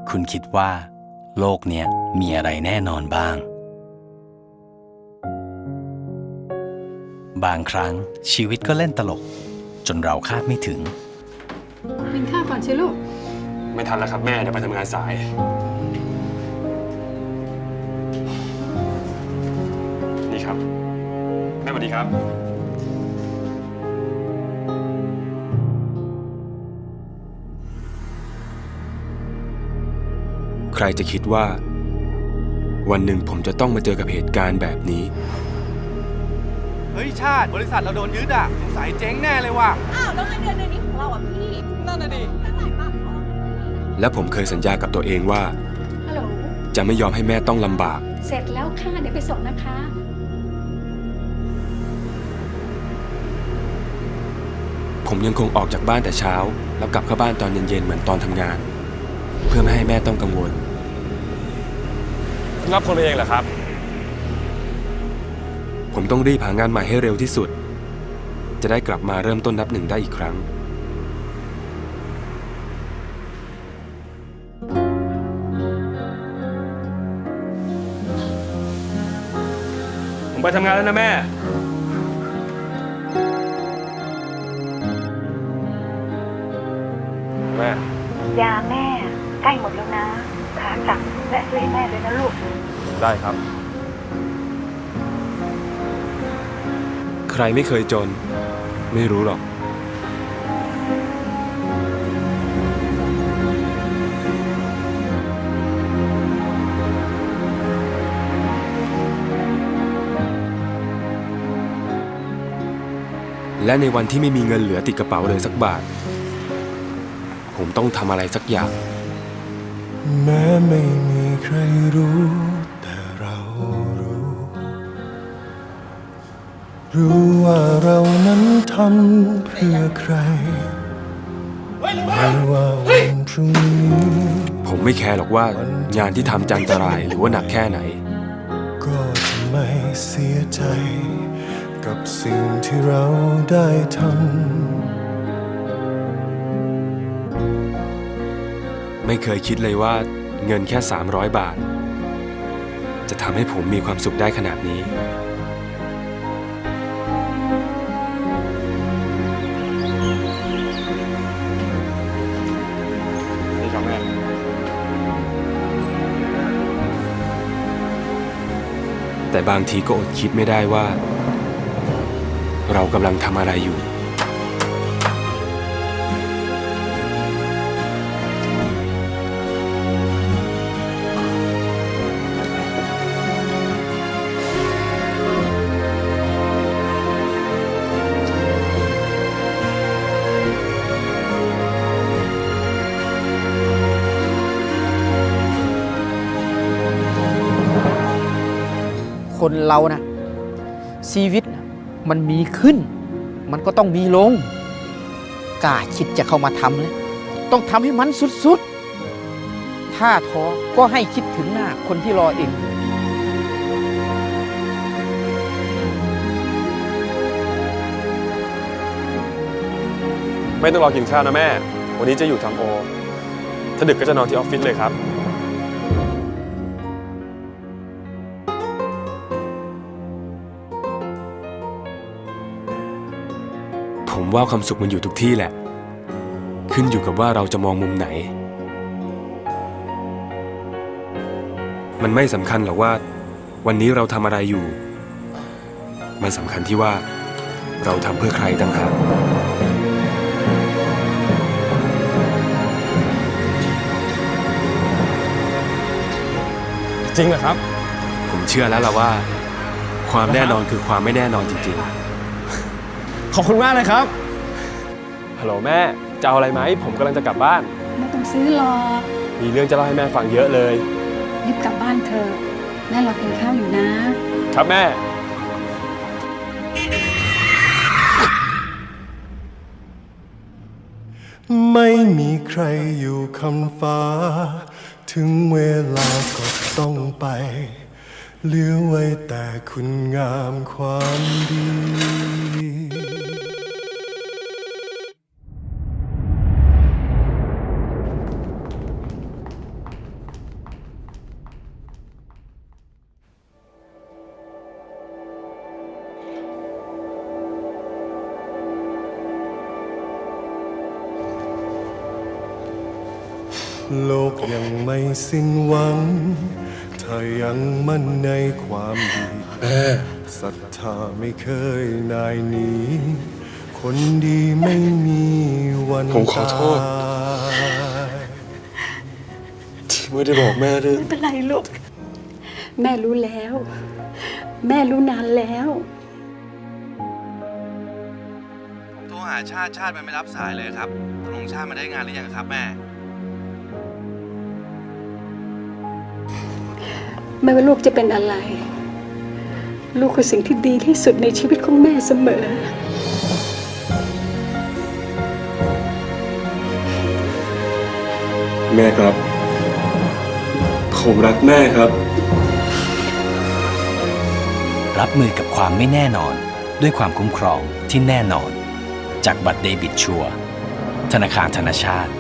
คุณคิดว่าโลกเนี้ยมีอะไรแน่นอนบ้างบางครั้งชีวิตก็เล่นตลกจนเราคาดไม่ถึงกินข้าวก่อนสิลูกไม่ทันแล้วครับแม่เดี๋ยวไปทำงานสายนี่ครับแม่สวัสดีครับใครจะคิดว่าวันหนึ่งผมจะต้องมาเจอกับเหตุการณ์แบบนี้เฮ้ยชาติบริษัทเราโดนยึดอ่ะสงสัยเจ๊งแน่เลยว่ะอ้าวแล้วเงินเดือนนี้ของเราอ่ะพี่นั่นน่ะดิตั้งหลายบาทพอและผมเคยสัญญากับตัวเองว่าฮัลโหลจะไม่ยอมให้แม่ต้องลำบากเสร็จแล้วค่ะเดี๋ยวไปส่งนะคะผมยังคงออกจากบ้านแต่เช้าแล้วกลับเข้าบ้านตอนเย็นๆเหมือนตอนทำงานเพื่อไม่ให้แม่ต้องกังวลรับคนไปเองเหรอครับผมต้องรีบหางานใหม่ให้เร็วที่สุดจะได้กลับมาเริ่มต้นนับหนึ่งได้อีกครั้งผมไปทำงานแล้วนะแม่แม่ยาแม่ใกล้หมดแล้วนะขาสั่งและซื้อให้แม่เลยนะลูกได้ครับใครไม่เคยจนไม่รู้หรอกและในวันที่ไม่มีเงินเหลือติดกระเป๋าเลยสักบาทผมต้องทำอะไรสักอย่างแม้ไม่มีใครรู้แต่เรารู้ว่าเรานั้นทำเพื่อใครไม่ว่าวันพรุ่งนี้ผมไม่แคร์หรอกว่างานที่ทำจะอันตรายหรือว่าหนักแค่ไหนก็จะไม่เสียใจกับสิ่งที่เราได้ทำไม่เคยคิดเลยว่าเงินแค่300 บาทจะทำให้ผมมีความสุขได้ขนาดนี้นี่ครับแม่แต่บางทีก็อดคิดไม่ได้ว่าเรากำลังทำอะไรอยู่คนเรานะชีวิตมันมีขึ้นมันก็ต้องมีลงกล้าคิดจะเข้ามาทำเลยต้องทำให้มันสุดๆถ้าท้อก็ให้คิดถึงหน้าคนที่รอเองไม่ต้องรอกินข้าวนะแม่วันนี้จะอยู่ทำโอถ้าดึกก็จะนอนที่ออฟฟิศเลยครับผมว่าความสุขมันอยู่ทุกที่แหละขึ้นอยู่กับว่าเราจะมองมุมไหนมันไม่สำคัญหรอกว่าวันนี้เราทำอะไรอยู่มันสำคัญที่ว่าเราทำเพื่อใครต่างหากจริงเหรอครับผมเชื่อแล้วล่ะว่าความแน่นอนคือความไม่แน่นอนจริงๆขอบคุณมากเลยครับฮัลโหลแม่จะเอาอะไรไหมผมกำลังจะกลับบ้านไม่ต้องซื้อหรอกมีเรื่องจะเล่าให้แม่ฟังเยอะเลยรีบกลับบ้านเถอะแม่รอกินข้าวอยู่นะครับแม่ไม่มีใครอยู่คำฟ้าถึงเวลาก็ต้องไปเหลือไว้แต่คุณงามความดีโลกยังไม่สิ้นหวัง ถ้ายังมั่นในความดีศรัทธาไม่เคยนายหนีคนดีไม่มีวันผมขอโทษตายที่ไม่ได้บอกแม่ด้วยไม่เป็นไรลูก แม่รู้แล้ว แม่รู้นานแล้วผมโทรหาชาติมันไม่รับสายเลยครับตกลงชาติมาได้งานหรือยังครับแม่ไม่ว่าลูกจะเป็นอะไร ลูกคือสิ่งที่ดีที่สุดในชีวิตของแม่เสมอแม่ครับ ผมรักแม่ครับรับมือกับความไม่แน่นอนด้วยความคุ้มครองที่แน่นอน จากบัตรเดบิตชัวร์ธนาคารธนชาติ